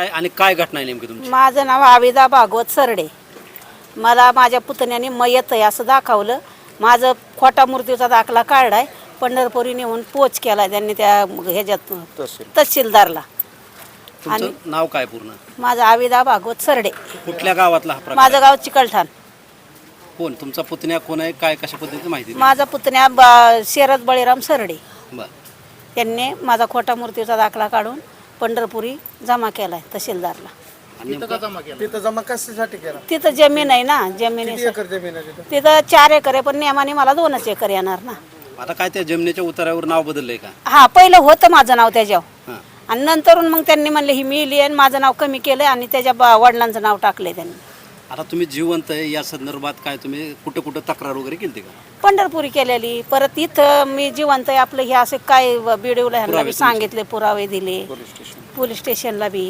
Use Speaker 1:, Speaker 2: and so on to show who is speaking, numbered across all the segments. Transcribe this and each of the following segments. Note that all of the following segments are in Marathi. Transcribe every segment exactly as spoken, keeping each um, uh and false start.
Speaker 1: काय आणि काय घटना आहे नेमकी तुमची?
Speaker 2: माझं नाव आविदा भागवत सरडे. मला माझ्या पुतण्याने मयत आहे असं दाखवलं. माझं खोटा मृत्यूचा दाखला काढलाय. पंढरपुरी नेऊन पोच केला त्यांनी त्या ह्याच्यात तहसीलदारला.
Speaker 1: तुमचं नाव काय पूर्ण?
Speaker 2: माझं आविदा भागवत सरडे.
Speaker 1: कुठल्या गावातला हा प्रकार?
Speaker 2: माझं गाव चिकलठाण.
Speaker 1: कोण तुमचा पुतण्या कोण आहे, काय कशा पद्धतीची माहिती?
Speaker 2: माझा पुतण्या बा- शरद बळीराम सरडे.
Speaker 1: बर.
Speaker 2: त्यांनी माझा खोटा मृत्यूचा दाखला काढून पंढरपुरी जमा केलाय तहसीलदारला.
Speaker 1: आणि नेमकं
Speaker 3: तिथं जमा कशासाठी केला?
Speaker 2: तिथं जमीन आहे ना, जमिनी
Speaker 3: किती एकर जमीन आहे तिथं?
Speaker 2: तिथं चार एकर आहे पण नियमाने मला दोनच एकर येणार ना.
Speaker 1: आता काय त्या जमिनीच्या उतारावर नाव बदललंय का?
Speaker 2: हा, पहिलं होतं माझं नाव त्याच्यावर
Speaker 1: हां.
Speaker 2: आणि नंतरून मग त्यांनी म्हणले ही मिली आणि माझं नाव कमी केलं आणि त्याच्या बा- वडिलांचं नाव टाकलंय त्यांनी.
Speaker 1: आता तुम्ही जिवंत आहे या संदर्भात काय तुम्ही कुठं कुठं तक्रार वगैरे केली का?
Speaker 2: पंढरपुरी केलेली. परत इथं मी जिवंत आहे आपलं हे असे काय बिडवलं ह्यांना बी सांगितले, पुरावे दिले पोलीस स्टेशनला बी.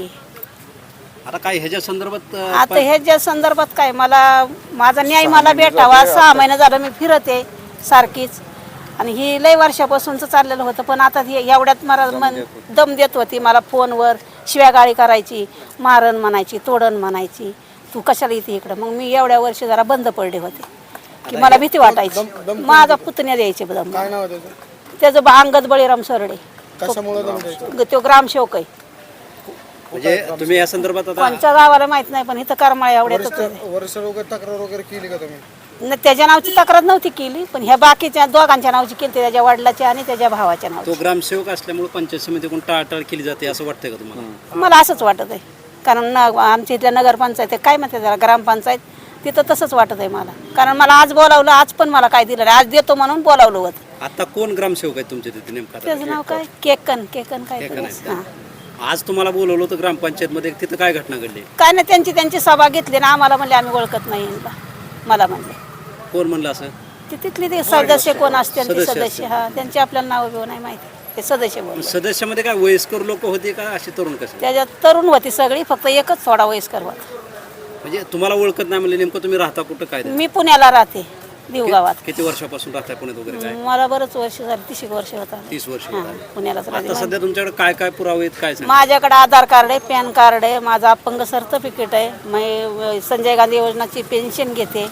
Speaker 1: आता काय ह्याच्या संदर्भात अं,
Speaker 2: आता ह्याच्या संदर्भात काय मला माझा न्याय मला भेटावा. सहा महिने झालं मी फिरते सारखीच आणि ही लय वर्षापासूनच चाललेलं होतं. पण आता हे एवढ्यात मला मन दम देत होती. मला फोनवर शिव्यागाळी करायची, मारण म्हणायची, तोडण म्हणायची, तू कशाला येते इकडं. मग मी एवढ्या वर्ष जरा बंद पडले होते की मला भीती वाटायची. माझा पुतण्या द्यायचे दम.
Speaker 3: काय नाव आहे त्याचं?
Speaker 2: त्याचं बा- अंगद बळीराम सरडे.
Speaker 3: कशामुळे दम द्यायचं?
Speaker 2: तो ग्रामसेवक आहे.
Speaker 1: म्हणजे तुम्ही या संदर्भात आता
Speaker 2: कोणच्या गावाला माहित नाही पण इथं करमाळ्या एवढ्यातच आहे.
Speaker 3: वर्ष वगैरे तक्रार वगैरे केली का तुम्ही?
Speaker 2: न त्याच्या नावची तक्रार नव्हती केली पण ह्या बाकीच्या दोघांच्या नावची केली, त्याच्या वडिलाच्या आणि त्याच्या भावाच्या नाव.
Speaker 1: तो ग्रामसेवक असल्यामुळे पंचायत समितीकडून टाळाटाळ केली जाते असं वाटतंय का तुम्हाला?
Speaker 2: मला असंच वाटत आहे कारण न आमच्या इथल्या नगरपंचायत आहे, काय म्हणते त्याला, ग्रामपंचायत, तिथं तसंच वाटत आहे मला. कारण मला आज बोलावलं, आज पण मला काय दिलं नाही, आज देतो म्हणून बोलावलं होतं.
Speaker 1: आता कोण ग्रामसेवक आहे तुमच्या तिथे नेमका?
Speaker 2: त्याचं नाव काय, केकन केकन काय
Speaker 1: केकन आहे
Speaker 2: हां.
Speaker 1: आज तुम्हाला बोलवलं होतं ग्रामपंचायतमध्ये, तिथं काय घटना घडली?
Speaker 2: काय नाही, त्यांची त्यांची सभा घेतली ना, आम्हाला म्हणले आम्ही ओळखत नाही यांना. मला म्हणले
Speaker 1: कोण म्हणलं असं?
Speaker 2: ते तिथली ते सदस्य कोण असते ते
Speaker 1: सदस्य
Speaker 2: सदस्य, हा, त्यांचे आपल्याला नाव बिव नाही माहिती, ते सदस्य बोलले.
Speaker 1: सदस्यामध्ये काय वयस्कर लोक होते का असे तरुण कसे?
Speaker 2: त्याच्यात तरुण होती सगळी, फक्त एकच थोडा वयस्कर होता.
Speaker 1: म्हणजे तुम्हाला ओळखत नाही म्हणजे नेमकं तुम्ही राहता कुठं काय?
Speaker 2: मी पुण्याला राहते, देवगावात.
Speaker 1: किती वर्षापासून राहताय पुण्यात वगैरे काय?
Speaker 2: मला बरंच वर्ष झाली, तीस एक वर्ष होता.
Speaker 1: तीस वर्ष
Speaker 2: हां,
Speaker 1: झाली.
Speaker 2: पुण्यालाच
Speaker 1: आता
Speaker 2: राहते.
Speaker 1: सध्या तुमच्याकडे काय काय पुरावे आहेत काय सांगा?
Speaker 2: माझ्याकडे आधार कार्ड आहे, पॅन कार्ड आहे, माझं अपंग सर्टिफिकेट आहे, मी संजय गांधी योजनाची पेन्शन घेते.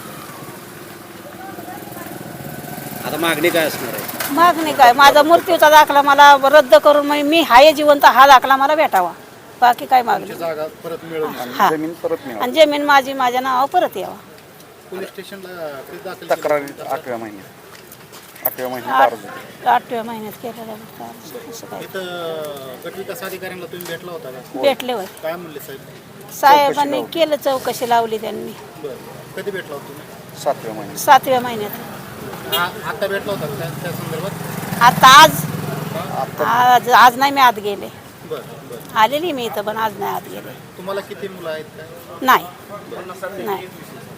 Speaker 1: आता मागणी काय असणार आहे?
Speaker 2: मागणी काय, माझा मृत्यूचा दाखला मला रद्द करून मी मी हाय जिवंत हा दाखला मला भेटावा, बाकी काय मागणी.
Speaker 3: जागा परत मिळून
Speaker 2: हा,
Speaker 3: जमीन परत मिळाली.
Speaker 2: आणि जमीन माझी माझ्या नावावर परत यावा.
Speaker 3: पोलीस स्टेशनला
Speaker 4: तक्रार आठव्या महिन्यात आठव्या महिन्यात
Speaker 2: आठ-
Speaker 4: अर्ज दिला.
Speaker 2: आठव्या महिन्यात केलेला होता. असं काय
Speaker 3: इथं गटविकास अधिकाऱ्यांना तुम्ही भेटला होता का?
Speaker 2: भेटले होय
Speaker 3: काय म्हणले साहेब?
Speaker 2: साहेबांनी केलं, चौकशी लावली त्यांनी.
Speaker 3: बरं, कधी भेटला होता तुम्ही?
Speaker 4: सातव्या महिन्यात
Speaker 2: सातव्या महिन्यात.
Speaker 3: आ- आता भेटला होता का त्या त्या संदर्भात?
Speaker 2: आता आज आज आज नाही मी आत गेले,
Speaker 3: बरं बरं.
Speaker 2: आलेली मी इथं पण आज नाही आत गेले.
Speaker 3: तुम्हाला किती मुलं आहेत काय?
Speaker 2: नाही नाही